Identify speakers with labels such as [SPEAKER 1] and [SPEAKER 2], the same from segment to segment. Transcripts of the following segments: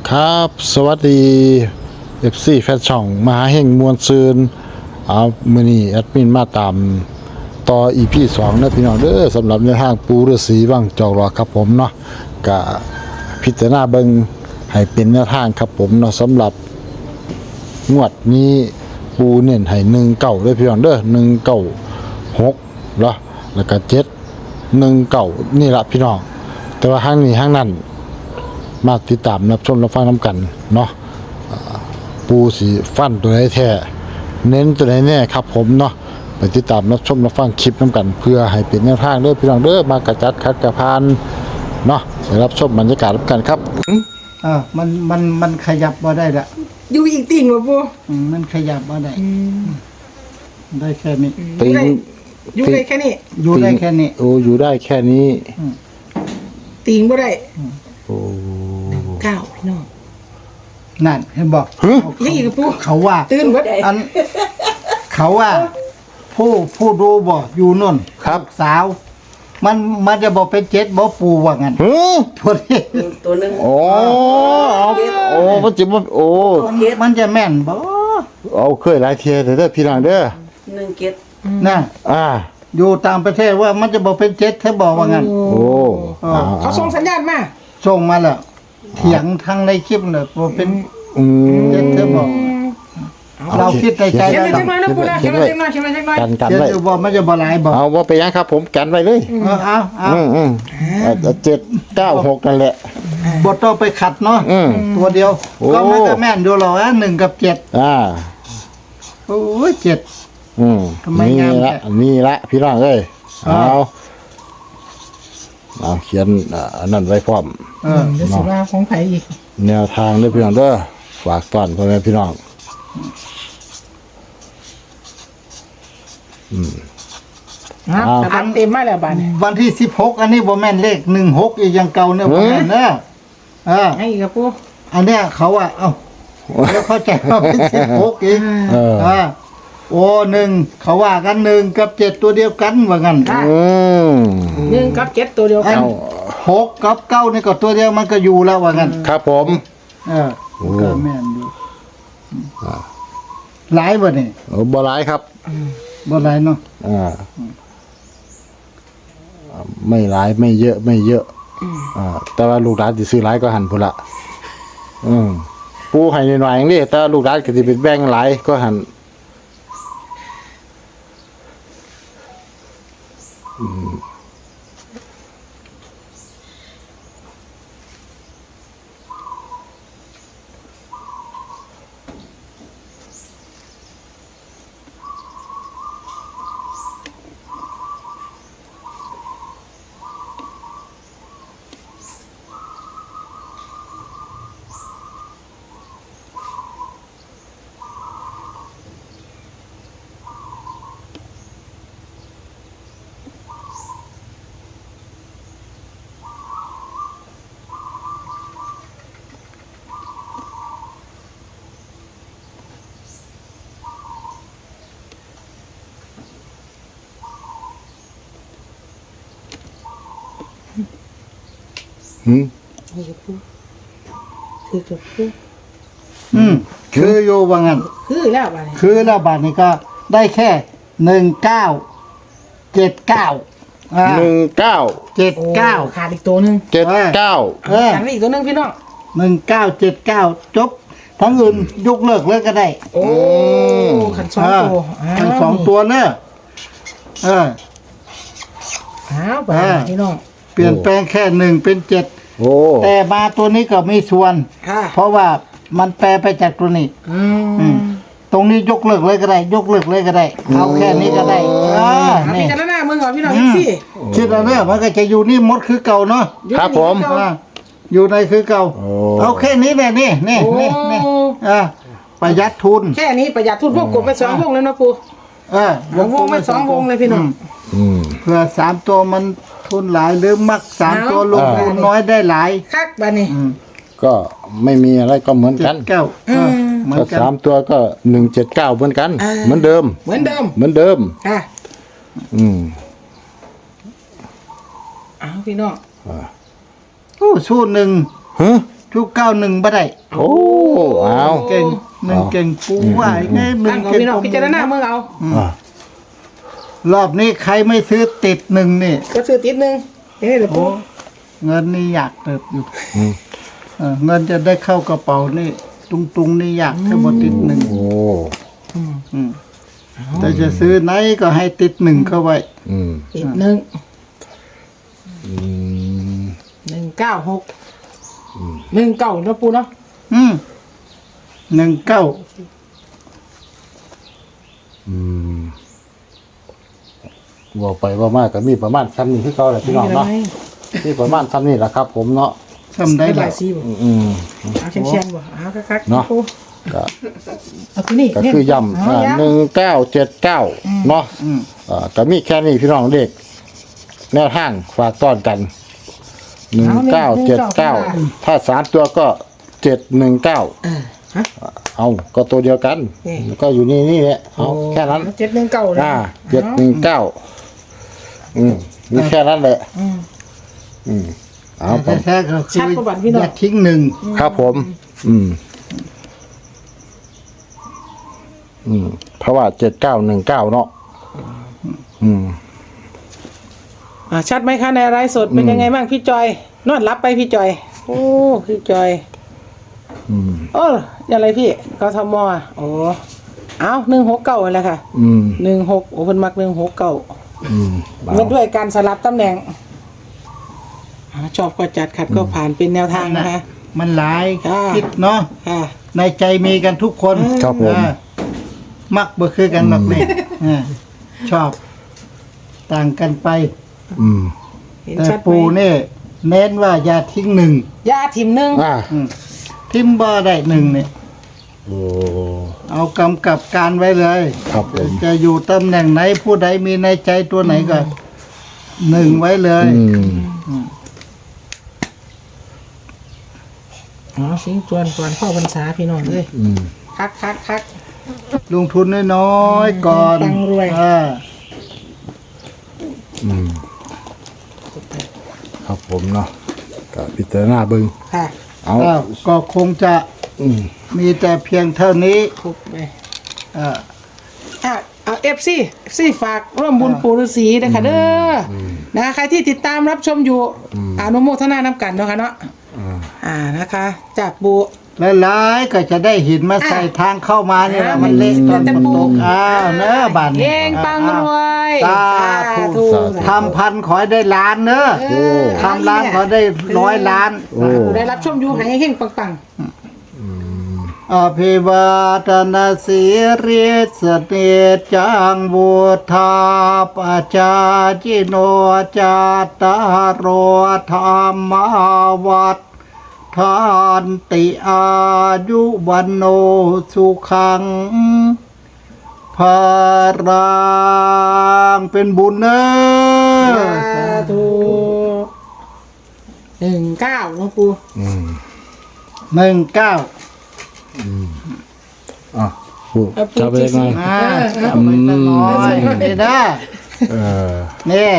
[SPEAKER 1] ครับสวัสดี FC แฟนช่องมหาเฮงมวลซืนมื้อนี้แอดมินมาตามต่อ EP 2นะพี่น้องเด้อสำหรับในทางปูฤาษีวังจอกหลอกครับผมเนาะก็พิจารณาเบิ่งให้เป็นแนวทางครับผมเนาะสำหรับงวดนี้ปูเน้นให้19เด้อพี่น้องเด้อ196เนาะแล้วก็719นี่ล่ะพี่น้องแต่ว่าห้างนี้ห้างนั้นมาติดตามรับชมรับฟังน้ำกันเนาะปูสีฟันตัวไหนแท้เน้นตัวไหนแน่ครับผมเนาะไปติดตามรับชมรับฟังคลิปน้ำกันเพื่อให้เป็นแนวทางเด้อพี่น้องเด้อมากระจัดคัดกระพานเนาะไปรับชมบรรยากาศน้ำกันครับ
[SPEAKER 2] มันขยับบ่ได้ละ
[SPEAKER 3] อยู่อีกติ่งวะปู
[SPEAKER 2] มันขยับบ่ได้ได้แค่นี้
[SPEAKER 1] ติง
[SPEAKER 3] อยู่ได้แค่นี้
[SPEAKER 2] อยู่ได้แค่นี้
[SPEAKER 1] โอ้อยู่ได้แค่นี้
[SPEAKER 3] ติ่งบ่ได้
[SPEAKER 1] โอ้
[SPEAKER 3] ก้าวพี่น้อง
[SPEAKER 2] นั่นเห็นบอก
[SPEAKER 3] นี่อีกกับปู
[SPEAKER 2] เขาว่า
[SPEAKER 3] ตื่นเบิด
[SPEAKER 2] อันเขาว่าผู้ดูบ่อยู่นู่น
[SPEAKER 1] ครับ
[SPEAKER 2] สาว มันจะบอกเป็น7บ่ปูว่างั้น
[SPEAKER 1] ฮึ
[SPEAKER 2] ตัวนี้
[SPEAKER 3] ตัวนึง
[SPEAKER 1] โอ้โอ้มันจิบโอ้
[SPEAKER 2] มันจะแม่นบ่
[SPEAKER 1] เอาเคยหลายเทียเด้อพี่น้องเด้อ
[SPEAKER 3] 1 เกต
[SPEAKER 2] น่ะ อยู่ต่างประเทศว่ามันจะบอกเป็น7ถ้าบอกว่างั้น
[SPEAKER 1] โอ้
[SPEAKER 3] เขาส่งสัญญาณมา
[SPEAKER 2] ส่งมาแล้วเถียงทางในคลิปน่ะว่าเป็น
[SPEAKER 1] อืม
[SPEAKER 2] 7ถ้าบอก เราคิดในใจ
[SPEAKER 3] เขียน
[SPEAKER 2] แล้ว
[SPEAKER 3] ไว้จังหน่อยนะปูนะเขียนไว้จังหน่อยเขียนไว้จังหน่อย
[SPEAKER 1] กัน
[SPEAKER 2] เขียน
[SPEAKER 1] ไว้
[SPEAKER 2] อยู่บ่มันจะบ่หลายบ่
[SPEAKER 1] เอาว่าไปยังครับผมกันไว้เลย
[SPEAKER 2] เอา
[SPEAKER 1] 796นั่นแหละ
[SPEAKER 2] บทต้องไปขัดเนาะ ตัวเดียว
[SPEAKER 1] โอ้
[SPEAKER 2] ก็มันก็แม่นอยู่หรอก1 กับ 7โอ้ย7 ทำไมงาม
[SPEAKER 1] นี่
[SPEAKER 2] แท้
[SPEAKER 1] ละนี่ละพี่น้องเอ้ยเอาเขียนอันนั้นไว้พร้อม
[SPEAKER 3] เดี๋ยวสิว่าของไผอีก
[SPEAKER 1] แนวทางเด้อพี่น้องเด้อฝากต้อนพ่อแม่พี่น้อง
[SPEAKER 3] แต่บังเต็มมาแล้วบาดนี้
[SPEAKER 2] วันที่16อันนี้บ่แม่นเลข16อีกอย่างเก่าเนี่ยบ่แม่นเด้อ
[SPEAKER 3] ให้อีกกับปู
[SPEAKER 2] อันเนี้ยเขาว่าเอ้าแล้วเข้าใจว่าเป็น16อีกโอ้1เขาว่ากัน1กับ7ตัวเดียวกันว่างั้น
[SPEAKER 3] 1 กับ 7ตัวเดียว
[SPEAKER 2] อั
[SPEAKER 3] กัน น
[SPEAKER 2] 6กับ9นี่ก็ตัวเดียวมันก็อยู่แล้วว่างั้น
[SPEAKER 1] ครับผม
[SPEAKER 2] ก็แม่นอยู่หลายบ่นี่
[SPEAKER 1] บ่หลายครับ
[SPEAKER 2] บ่หลายเนาะ
[SPEAKER 1] ไม่หลายไม่เยอะไม่เยอะแต่ว่าลูกหลานสิซื้อหลายก็หันพุ่นละปูให้หน่อยๆอย่างนี้แต่ลูกหลานก็สิเป็นแบ่งหลายก็หัน
[SPEAKER 3] นี่กับปูคือกับปู
[SPEAKER 2] คืออยู่ว่างั้น
[SPEAKER 3] คือแล้วบาดนี้
[SPEAKER 2] คือแล้วบัดนี้ก็ได้แค่1979 79
[SPEAKER 3] ขาดอีกตัวนึง
[SPEAKER 1] 79
[SPEAKER 3] ขาดอีกตัวนึงพี่น้อง
[SPEAKER 2] 1979 จบทั้งอื่นยกเลิกเลยก็ได้
[SPEAKER 3] โอ้ขัน2ตัว
[SPEAKER 2] ทั้ง2ตัวเนอะ
[SPEAKER 3] บาดพี่น้อง
[SPEAKER 2] เปลี่ยนแปลงแค่1เป็น7
[SPEAKER 1] โอ้
[SPEAKER 2] แต่มาตัวนี้ก็มีส่วน เพราะว่ามันแปลไปจากตัวนี้ตรงนี้ยกเลิกเลยก็ได้ ยกเลิกเลยก็ได้ เอาแค่นี้ก็ได้นี่
[SPEAKER 3] พี่กันหน้ามึงก่อนพี่น้องสิ
[SPEAKER 2] คิดแล้วเนี่ยมันก็จะอยู่นี่มดคือเก่าเนาะ
[SPEAKER 1] ครับผม
[SPEAKER 2] อยู่ในคือเก่าเอาแค่นี้แหละนี่ประหยัดทุน
[SPEAKER 3] แค่นี้ประหยัดทุนพวกกบไป2วงเลยนะปูวงไป2วงเลยพี่น้อง
[SPEAKER 2] เพื่อ3ตัวมันทุนหลายหรือมัก3ตัวลงทุนน้อยได้หลาย
[SPEAKER 3] คักบาดนี้
[SPEAKER 1] ก็ไม่มีอะไรก็เหมือนกัน
[SPEAKER 2] 7 9เหมือน
[SPEAKER 1] ก็
[SPEAKER 2] กัน
[SPEAKER 1] 3ตัวก็179เหมือนกัน เหมือนเดิม
[SPEAKER 3] เหมือนเดิม
[SPEAKER 1] เหมือนเดิม
[SPEAKER 3] ค่ะ
[SPEAKER 1] อืม
[SPEAKER 3] เอาพี่น้อง
[SPEAKER 2] โอ้สู้หนึ่ง
[SPEAKER 1] ฮะ
[SPEAKER 2] ชุก91บ่ได้
[SPEAKER 1] โอ้เอา
[SPEAKER 2] เก่งหนึ่งเก่งปูว่าไงหนึ่
[SPEAKER 3] ตั้
[SPEAKER 2] ง
[SPEAKER 3] งเอา
[SPEAKER 2] เก่ง
[SPEAKER 3] พี่น้องพิจารณาเมืองเอา
[SPEAKER 1] อ่าร
[SPEAKER 2] อบนี้ใครไม่ซื้อติดหนึ่งนี่
[SPEAKER 3] ก็ซื้อติดหนึงเฮ้ยเดี๋ยวปู
[SPEAKER 2] เงินนี่อยากเติบอยู่
[SPEAKER 1] อืม
[SPEAKER 2] เงินจะได้เข้ากระเป๋านี่ตุงนี่อยากให้หมดติดหนึ่ง
[SPEAKER 1] โอ้
[SPEAKER 2] อืมแต่จะซื้อไหนก็ให้ติดหนึ่งเข้าไว้
[SPEAKER 1] อืม
[SPEAKER 3] ติดหนึ่ง
[SPEAKER 1] อืม
[SPEAKER 3] 196 19นะปูเนาะ
[SPEAKER 2] 19
[SPEAKER 1] อืมว่าไปว่ามากก็มีประมาณซ้ำนี้คือเขาแหละพี่น้องเนาะมีประมาณซ้ำนี้แหละครับ ผมเนาะ
[SPEAKER 2] ทำได้
[SPEAKER 3] ห
[SPEAKER 2] ห
[SPEAKER 3] ลา
[SPEAKER 2] ลาย ย
[SPEAKER 3] สีบ่
[SPEAKER 1] อืม
[SPEAKER 3] เอาเชียงๆบ่เอาคักๆ
[SPEAKER 1] เนาะ
[SPEAKER 3] ปู
[SPEAKER 1] ก็
[SPEAKER 3] เอาตัวนี้
[SPEAKER 1] ก็คือย่ำ
[SPEAKER 3] เอาย้ำ
[SPEAKER 1] 1979เนาะก็มีแค่นี้พี่น้องเด็ก แนวทางฝากต้อนกัน 1979 ถ้า3ตัวก็ 719
[SPEAKER 3] ฮะ
[SPEAKER 1] เอาก็ตัวเดียวกัน
[SPEAKER 3] นี่
[SPEAKER 1] ก็อยู่นี่แหละเอาแค่นั้น
[SPEAKER 3] 719เลย
[SPEAKER 1] 719มีแค่นั้นแหละเอาผม
[SPEAKER 2] แท้ๆก็คือ
[SPEAKER 3] ชัดประวัติพี่น้อง
[SPEAKER 2] อย่าทิ้งหนึ่ง
[SPEAKER 1] ครับผม เพราะว่า7919เนาะ
[SPEAKER 3] ชัดไหมคะในไลฟ์สดเป็นยังไงบ้างพี่จอย นอนรับไปพี่จอย โอ้พี่จอยโอ้อะไรพี่กทมโอ้เอา169นั่นแหละค่ะ16โอ้เพิ่นมัก169เงินด้วยการสลับตำแหน่งชอบก็จัดขัดก็ผ่านเป็นแนวทางนะคะ
[SPEAKER 2] มันหลาย
[SPEAKER 3] ค่ะ
[SPEAKER 2] คิดเนาะ
[SPEAKER 3] ค่ะ
[SPEAKER 2] ในใจมีกันทุกคน
[SPEAKER 1] ครับผม
[SPEAKER 2] มักบ่คือกันหรอกนี่ชอบ ต่างกันไป
[SPEAKER 3] เห็น
[SPEAKER 2] แต่
[SPEAKER 3] ชัดไหม
[SPEAKER 2] ปูนี่เน้นว่าอย่าทิ้งหนึ่ง
[SPEAKER 3] ยาถิ่มหนึ่ง
[SPEAKER 2] ทิมบ่ได้หนึ่งเนี่ย
[SPEAKER 1] โอ้
[SPEAKER 2] เอากำกับการไว้เลย
[SPEAKER 1] ครับผม
[SPEAKER 2] จะอยู่ตำแหน่งไหนผู้ใดมีในใจตัวไหนก็หนึ่งไว้เลย
[SPEAKER 3] อ๋อสิงจวนก่อนพ่อพรรษาพี่น้องเลยคัก
[SPEAKER 2] ลงทุนน้อยๆก่อน
[SPEAKER 3] ตังรวย
[SPEAKER 1] ครับผมเนาะก็พิจารณาเบิ่ง
[SPEAKER 3] ค่ะ
[SPEAKER 1] เอา
[SPEAKER 2] ก็คงจะมีแต่เพียงเท่านี้
[SPEAKER 3] คุกไป
[SPEAKER 2] อ่า
[SPEAKER 3] เอาFC ฝากร่วมบุญปู่ฤาษีนะคะเด้อนะใครที่ติดตามรับชมอยู่อนุโมทนาน้ำกันเนาะค่ะเนาะนะคะ จากปู่
[SPEAKER 2] หลายๆก็จะได้หินมาใส่ทางเข้ามาเนี่ยนะมันเละตอนฝนตกเนอะบ้าน
[SPEAKER 3] เองปังรวย
[SPEAKER 2] สาธุทำพันขอให้ได้ล้านเนอะทำล้านขอได้100 ล้าน
[SPEAKER 3] ปู่ได้รับชมอยู่ให้เฮงปัง
[SPEAKER 2] อภิวาทนาสีริสเนจังบุธาปจาจิโนจาตารโรธรรมาวัฏทานติอายุวันโนสุขังภารังเป็นบุญเนอะ
[SPEAKER 3] สาธุ19หลวงปู่
[SPEAKER 2] 19
[SPEAKER 1] ผู้จะไปยังไง
[SPEAKER 2] เอาไปสักหน่อยนี่นะ
[SPEAKER 1] เออ
[SPEAKER 2] นี่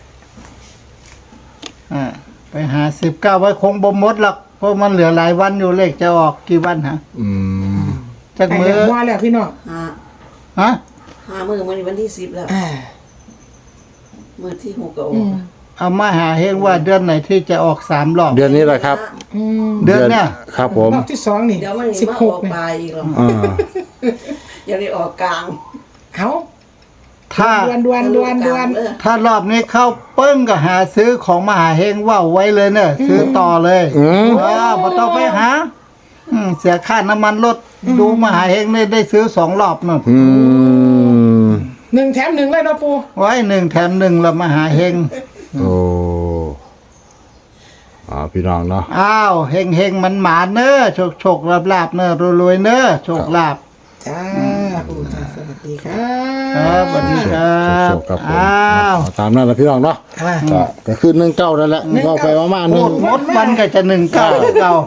[SPEAKER 2] ไปหา19ไว้คงบ่หมดหรอกเพราะมันเหลือหลายวันอยู่เลขจะออกกี่วันฮะจัก
[SPEAKER 3] ให้
[SPEAKER 2] มื
[SPEAKER 3] เรี
[SPEAKER 2] อย
[SPEAKER 3] บร้อยแล้วพี่น้อง
[SPEAKER 2] ฮะ
[SPEAKER 4] มือมันวันที่10แล้วมือที่6ก็ออก
[SPEAKER 2] เอามาหาเฮงว่าเดือนไหนที่จะออก3รอบ
[SPEAKER 1] เดือนนี้แหละครับ
[SPEAKER 2] เดือนเนี่ย
[SPEAKER 1] ครับผม
[SPEAKER 3] รอบที่2นี่
[SPEAKER 4] เดี๋ยวมันมาออก
[SPEAKER 3] 16
[SPEAKER 4] ป
[SPEAKER 3] นี่
[SPEAKER 4] ลายอีกหรอก
[SPEAKER 1] อ่า
[SPEAKER 4] ยังได้ออกกลาง
[SPEAKER 3] เอ้า
[SPEAKER 2] ถ้า
[SPEAKER 3] ดวน
[SPEAKER 2] ถ้ารอบนี้เข้าปึ้งก็หาซื้อของมหาเฮงว่าวไว้เลยเนอะซื้อต่อเลยบ่ต้องไปหาเสียค่าน้ำมันรถดูมหาเฮงได้ซื้อ2รอบนั่น
[SPEAKER 3] 1แถม1เลยเนาะปู่
[SPEAKER 2] ไว้1แถม1แล้วมหาเฮง
[SPEAKER 1] โอ้พี่น้องเนาะ
[SPEAKER 2] อ้าวเฮงมันหมาเนอะโชคลาบเนอะรวยเนอะโชคลาบ
[SPEAKER 3] จ้าปู่จ้าสวัสดีครั
[SPEAKER 2] ครับสวัสดีครับ
[SPEAKER 1] สุขครับผม
[SPEAKER 2] อ้าว
[SPEAKER 1] ตามนั้นแหละพี่น้องเนาะก็คือ19นั่นแหละก็ไปประมาณ
[SPEAKER 2] พูดหมดวันก็จะ19เก่า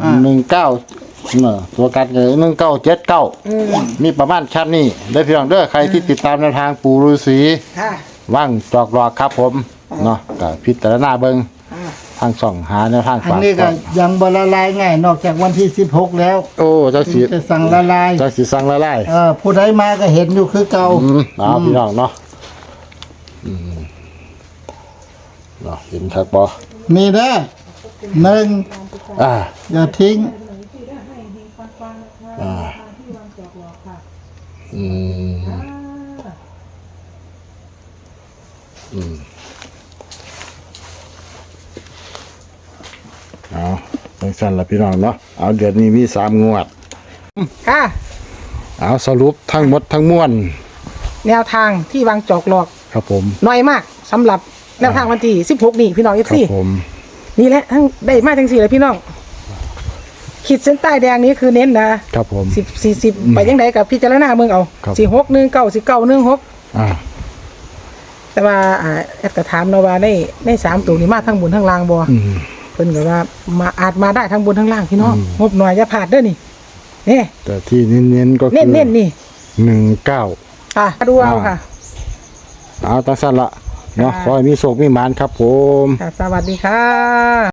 [SPEAKER 1] 19ตัวกันก็1979มีประมาณชั้นนี้ได้พี่น้องเด้อใครที่ติดตามแนวทางปู่ฤาษี
[SPEAKER 3] ค่ะ
[SPEAKER 1] ว่างจอกหลอกครับผมเนาะก็พิจารณาเบิ่งทางช่องหาแนวทาง
[SPEAKER 2] อัน
[SPEAKER 1] ฝาก
[SPEAKER 2] นี้
[SPEAKER 1] ก่
[SPEAKER 2] ก็
[SPEAKER 1] อน
[SPEAKER 2] ยังบละลายง่ายนอกจากวันที่16แล้ว
[SPEAKER 1] โอ้จักสิ
[SPEAKER 2] จะสั่งละลาย
[SPEAKER 1] จักสิสั่งละลาย
[SPEAKER 2] ผู้ใดมาก็เห็นอยู่คือเก่า
[SPEAKER 1] เอาพี่น้องเนาะเนาะเห็นครับบ่
[SPEAKER 2] มีเด้อหนึ่ง
[SPEAKER 1] อ่า
[SPEAKER 2] อย่าทิ้ง
[SPEAKER 1] อืมเอาจังซั่นล่ะพี่น้องเนาะเอาเดือนนี้มี3งวด
[SPEAKER 3] ค่ะ
[SPEAKER 1] เอาสรุปทั้งหมดทั้งมวล
[SPEAKER 3] แนวทางที่วางจอกหลอก
[SPEAKER 1] ครับผม
[SPEAKER 3] น้อยมากสำหรับแนวทางวันที่16นี่พี่น้อง
[SPEAKER 1] ครั
[SPEAKER 3] FC
[SPEAKER 1] ผม
[SPEAKER 3] นี่แหละทั้งได้มาทั้ง4เลยพี่น้องขีดเส้นใต้แดงนี้คือเน้นนะครับ
[SPEAKER 1] ผม
[SPEAKER 3] 10 40ไปยังไดกับพิจารณาเมืองเอา
[SPEAKER 1] ครับ
[SPEAKER 3] 46 19 19 16
[SPEAKER 1] อ่า
[SPEAKER 3] แต่ว่าแอดก็ถามเนาะว่าใน3ตัวนี้มาทั้งบนทั้งล่างบ่
[SPEAKER 1] อืม
[SPEAKER 3] เพิ่นก็ว่ามาอาจมาได้ทั้งบนทั้งล่างพี่น้องงบหน่อยอย่าพลาดเด้อนี่นี่
[SPEAKER 1] แต่ที่เน้นๆก็คือ
[SPEAKER 3] เน้นๆนี่
[SPEAKER 1] 19
[SPEAKER 3] ค่ะดูเอาค่ะ
[SPEAKER 1] เอาตั้งสั้นละเนาะขอให้มีโชคมีหมานครับผม
[SPEAKER 3] ค่ะ สวัสดีค่ะ